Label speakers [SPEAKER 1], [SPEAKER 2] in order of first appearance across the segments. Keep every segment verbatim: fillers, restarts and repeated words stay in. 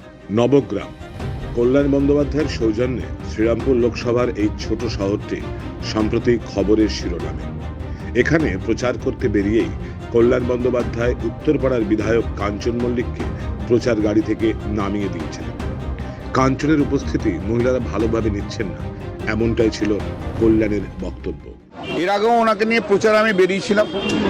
[SPEAKER 1] নবগ্রাম কল্যাণ বন্দ্যোপাধ্যায়ের সৌজন্যে শ্রীরামপুর লোকসভার এই ছোট শহরটি সম্প্রতি খবরের শিরোনামে। এখানে প্রচার করতে বেরিয়েই কল্যাণ বন্দ্যোপাধ্যায় উত্তরপাড়ার বিধায়ক কাঞ্চন মল্লিককে প্রচার গাড়ি থেকে নামিয়ে দিয়েছিলেন। কাঞ্চনের উপস্থিতি মহিলারা ভালোভাবে নিচ্ছেন না, এমনটাই ছিল কল্যাণের বক্তব্য।
[SPEAKER 2] এর আগেও ওনাকে নিয়ে প্রচার আমি বেরিয়েছিলাম।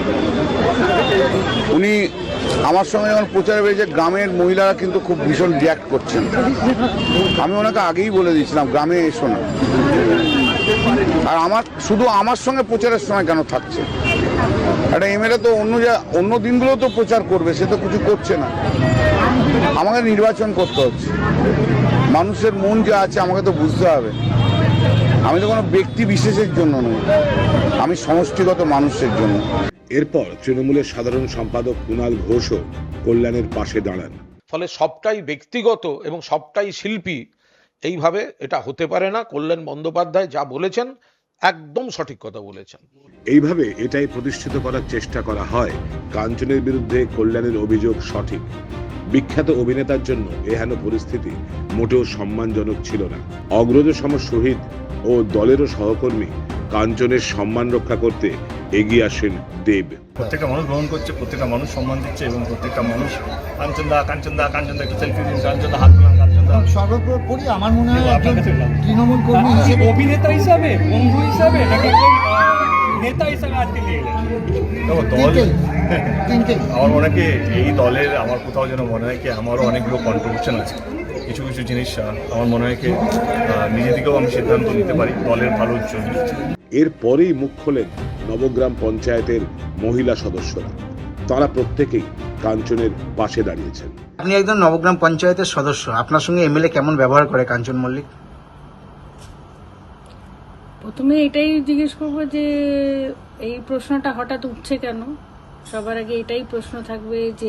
[SPEAKER 2] উনি আমার সঙ্গে যখন প্রচারে বেরিয়েছে, গ্রামের মহিলারা কিন্তু খুব ভীষণ রিয়াক্ট করছেন। আমি ওনাকে আগেই বলে দিয়েছিলাম গ্রামে এসো না। আর আমার শুধু আমার সঙ্গে প্রচারের সময় কেন থাকছে? একটা এমএলএ তো অন্য যা অন্য দিনগুলোও তো প্রচার করবে, সে তো কিছু করছে না। আমাকে নির্বাচন করতে হচ্ছে, মানুষের মন যা আছে আমাকে তো বুঝতে হবে। আমি তো কোনো ব্যক্তি বিশেষের জন্য নই, আমি সমষ্টিগত মানুষের জন্য।
[SPEAKER 1] এরপর তৃণমূলের সাধারণ সম্পাদক কুণাল ঘোষও কল্যাণের পাশে দাঁড়ান।
[SPEAKER 3] ফলে সবটাই ব্যক্তিগত এবং সবটাই শিল্পী, এইভাবে এটা হতে পারে না। কল্যাণ বন্দ্যোপাধ্যায় যা বলেছেন একদম সঠিক কথা বলেছেন।
[SPEAKER 1] এইভাবে এটাই প্রতিষ্ঠিত করার চেষ্টা করা হয় কাঞ্চনের বিরুদ্ধে কল্যাণের অভিযোগ সঠিক। বিখ্যাত অভিনেতার জন্য এহেন পরিস্থিতি মোটেও সম্মানজনক ছিল না। অগ্রজ সম শহীদ ও দলেরও সহকর্মী কাঞ্চনের সম্মান রক্ষা করতে এগিয়ে আসেন দেব।
[SPEAKER 4] প্রত্যেকটা মানুষ গ্রহণ করছে, প্রত্যেকটা মানুষ সম্মান দিচ্ছে এবং প্রত্যেকটা মানুষ কাঞ্চন দা কাঞ্চন দা কাঞ্চন দা একটা সেলফি দিন, কাঞ্চন দা হাত মিলান, কাঞ্চন দা।
[SPEAKER 5] সর্বোপরি আমার মনে হয় একজন তৃণমূল কর্মী হিসেবে,
[SPEAKER 6] অভিনেতা হিসাবে, বন্ধু হিসাবে, নাকি নেতা হিসাবে আজকে নিয়ে এলেন?
[SPEAKER 4] দেখো দল, আমার মনে হয় কি এই দলের আমার কোথাও যেন মনে হয় কি আমারও অনেকগুলো কন্ট্রিবিউশন আছে। কিছু কিছু জিনিস আমার মনে হয় কি নিজে থেকেও আমি সিদ্ধান্ত নিতে পারি দলের ভালোর জন্য।
[SPEAKER 1] এরপরেই মুখ খোলেন নবগ্রাম পঞ্চায়েতের মহিলা সদস্যরা। তারা প্রত্যেকেই কাঞ্চনের পাশে দাঁড়িয়েছেন।
[SPEAKER 5] আপনি একজন নবগ্রাম পঞ্চায়েতের সদস্য, আপনার সঙ্গে এমএলএ কেমন ব্যবহার করে কাঞ্চন মল্লিক?
[SPEAKER 7] প্রথমে এটাই জিজ্ঞেস করবো যে এই প্রশ্নটা হঠাৎ উঠছে কেন। সবার আগে এটাই প্রশ্ন থাকবে যে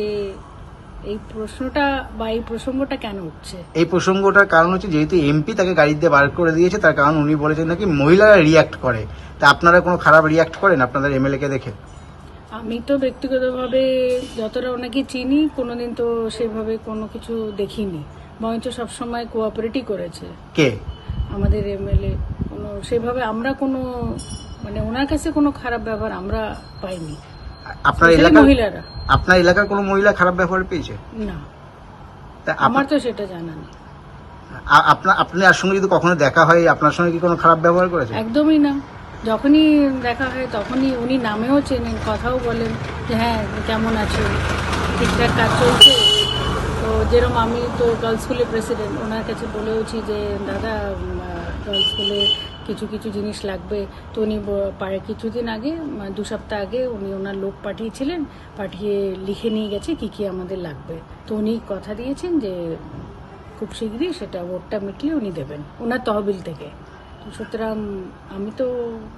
[SPEAKER 7] এই প্রশ্নটা বা এই প্রসঙ্গটা কেন উঠছে।
[SPEAKER 5] এই প্রসঙ্গটার কারণ হচ্ছে যেহেতু এমপি তাকে গাড়িতে বার করে দিয়েছে, তার কারণ উনি বলেছেন নাকি মহিলারা রিয়াক্ট করে। তা আপনারা কোনো খারাপ রিয়াক্ট করেন আপনাদের এমএলএ কে দেখে?
[SPEAKER 7] আমি তো ব্যক্তিগতভাবে যতটা ওনাকে চিনি, কোনোদিন তো সেভাবে কোনো কিছু দেখিনি, বরঞ্চ সবসময় কোঅপারেটই করেছে।
[SPEAKER 5] কে?
[SPEAKER 7] আমাদের এমএলএ। কোনো সেভাবে আমরা কোনো মানে ওনার কাছে কোনো খারাপ ব্যবহার আমরা পাইনি।
[SPEAKER 5] আপনার এলাকার
[SPEAKER 7] মহিলারা,
[SPEAKER 5] আপনার এলাকার কোনো মহিলা খারাপ ব্যবহার পেয়েছে?
[SPEAKER 7] না,
[SPEAKER 5] তা
[SPEAKER 7] আমার তো সেটা জানা নেই।
[SPEAKER 5] আপনার আপনার সঙ্গে যদি কখনো দেখা হয়, আপনার সঙ্গে কি কোনো খারাপ ব্যবহার করেছে?
[SPEAKER 7] একদমই না। যখনই দেখা হয় তখনই উনি নামেও চেনেন, কথাও বলেন যে হ্যাঁ কেমন আছে, ঠিকঠাক কাজ চলছে। তো যেরকম আমি তো গার্লস স্কুলের প্রেসিডেন্ট, ওনার কাছে বলেওছি যে দাদা গার্লস স্কুলে কিছু কিছু জিনিস লাগবে। তো উনি পারে কিছুদিন আগে, দু সপ্তাহ আগে উনি ওনার লোক পাঠিয়েছিলেন, পাঠিয়ে লিখে নিয়ে গেছে কি কি আমাদের লাগবে। তো উনি কথা দিয়েছেন যে খুব শীঘ্রই সেটা ভোটটা মিটলে উনি দেবেন ওনার তহবিল থেকে। সুতরাং আমি তো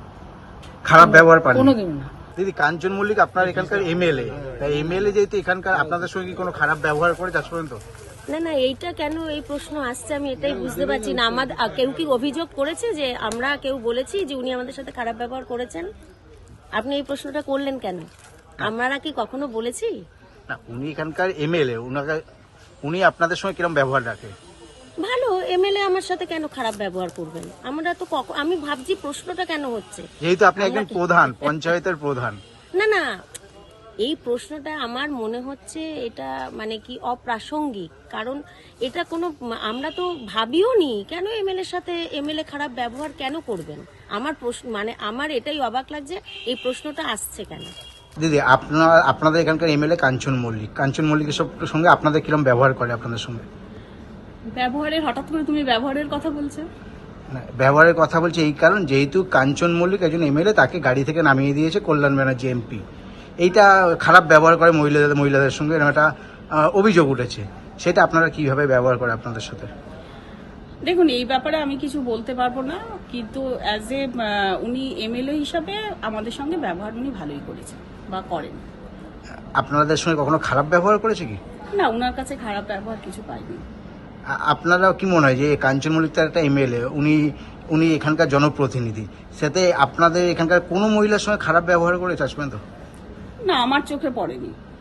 [SPEAKER 5] খারাপ ব্যবহার পাই
[SPEAKER 7] কোনোদিন না।
[SPEAKER 5] দিদি, কাঞ্চন মল্লিক আপনার এখানকার এমএলএ, তাই এমএলএ যেহেতু এখানকার আপনাদের সঙ্গে কোনো খারাপ ব্যবহার করে আজ পর্যন্ত?
[SPEAKER 8] না না, এইটা কেন এই প্রশ্ন আসছে আমি এটাই বুঝতে পারছি না। আমাদের কেউ কি অভিযোগ করেছে যে আমরা কেউ বলেছি যে উনি আমাদের সাথে খারাপ ব্যবহার করেছেন? আপনি এই প্রশ্নটা করলেন কেন? আমরা কি কখনো বলেছি?
[SPEAKER 5] না, উনি এখানকার এমএলএ, উনাকে উনি আপনাদের সঙ্গে কিরকম ব্যবহার রাখে?
[SPEAKER 8] ভালো। এমএলএ আমার সাথে কেন খারাপ ব্যবহার করবেন? আমরা তো আমি ভাবছি প্রশ্নটা কেন হচ্ছে,
[SPEAKER 5] যেহেতু আপনি একজন প্রধান, পঞ্চায়েতের প্রধান।
[SPEAKER 8] না না, এই প্রশ্নটা আমার মনে হচ্ছে এটা মানে কি অপ্রাসঙ্গিক। কারণ এটা কোনো আমরা তো ভাবিও নি কেন এমএলএ সাথে এমএলএ খারাপ ব্যবহার কেন করবেন। আমার প্রশ্ন মানে আমার এটাই অবাক লাগছে এই প্রশ্নটা আসছে কেন।
[SPEAKER 5] দিদি, আপনার আপনাদের এখানকার এমএলএ কাঞ্চন মল্লিক, কাঞ্চন মল্লিকের সঙ্গে আপনাদের কিরকম ব্যবহার করে আপনাদের সঙ্গে?
[SPEAKER 9] ব্যবহারের হঠাৎ করে তুমি ব্যবহারের কথা বলছো?
[SPEAKER 5] না, ব্যবহারের কথা বলছে এই কারণ যেহেতু কাঞ্চন মল্লিক একজন এমএলএ, তাকে গাড়ি থেকে নামিয়ে দিয়েছে কল্যাণ ব্যানার্জি এমপি। এইটা খারাপ ব্যবহার করে মহিলাদের মহিলাদের সঙ্গে, এরকম একটা অভিযোগ উঠেছে। সেটা আপনারা কিভাবে ব্যবহার করে আপনাদের সাথে?
[SPEAKER 9] দেখুন, এই ব্যাপারে আমি কিছু বলতে পারবো না, কিন্তু অ্যাজ এ উনি এমএলএ হিসাবে আমাদের সঙ্গে ব্যবহার উনি ভালোই করেছেন বা করেন।
[SPEAKER 5] আপনাদের সঙ্গে কখনো খারাপ ব্যবহার করেছে কি?
[SPEAKER 9] না, ওনার কাছে খারাপ ব্যবহার কিছু পাইনি।
[SPEAKER 5] আপনারা কি মনে হয় যে কাঞ্চন মল্লিক তার একটা এমএলএ, উনি উনি এখানকার জনপ্রতিনিধি, সাথে আপনাদের এখানকার কোনো মহিলার সঙ্গে খারাপ ব্যবহার করেছে আজ পর্যন্ত?
[SPEAKER 9] না, আমার চোখে পড়েনি।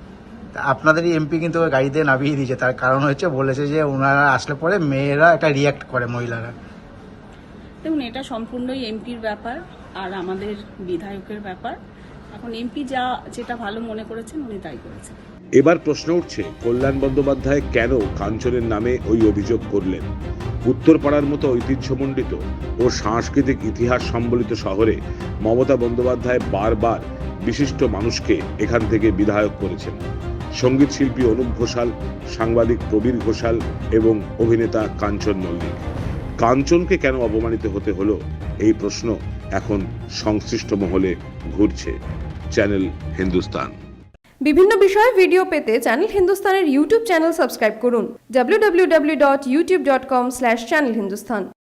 [SPEAKER 5] তা আপনাদেরই এমপি কিন্তু ওই গাড়িতে নামিয়ে দিয়েছে, তার কারণ হচ্ছে বলেছে যে ওনারা আসলে পরে মেয়েরা একটা রিয়াক্ট করে, মহিলারা।
[SPEAKER 9] দেখুন, এটা সম্পূর্ণই এমপির ব্যাপার আর আমাদের বিধায়কের ব্যাপার। এখন এমপি যা যেটা ভালো মনে করেছেন উনি তাই করেছেন।
[SPEAKER 1] এবার প্রশ্ন উঠছে, কল্যাণ বন্দ্যোপাধ্যায় কেন কাঞ্চনের নামে ওই অভিযোগ করলেন? উত্তরপাড়ার মতো ঐতিহ্যমণ্ডিত ও সাংস্কৃতিক ইতিহাস সম্বলিত শহরে মমতা বন্দ্যোপাধ্যায় বারবার বিশিষ্ট মানুষকে এখান থেকে বিধায়ক করেছেন। সঙ্গীত শিল্পী অনুপ ঘোষাল, সাংবাদিক প্রবীর ঘোষাল এবং অভিনেতা কাঞ্চন মল্লিক। কাঞ্চনকে কেন অপমানিত হতে হলো, এই প্রশ্ন এখন সংশ্লিষ্ট মহলে ঘুরছে। চ্যানেল হিন্দুস্তান।
[SPEAKER 10] বিভিন্ন বিষয়ে ভিডিও পেতে চ্যানেল হিন্দুস্তানের ইউটিউব চ্যানেল সাবস্ক্রাইব করুন W W W dot YouTube dot com slash channel Hindustan.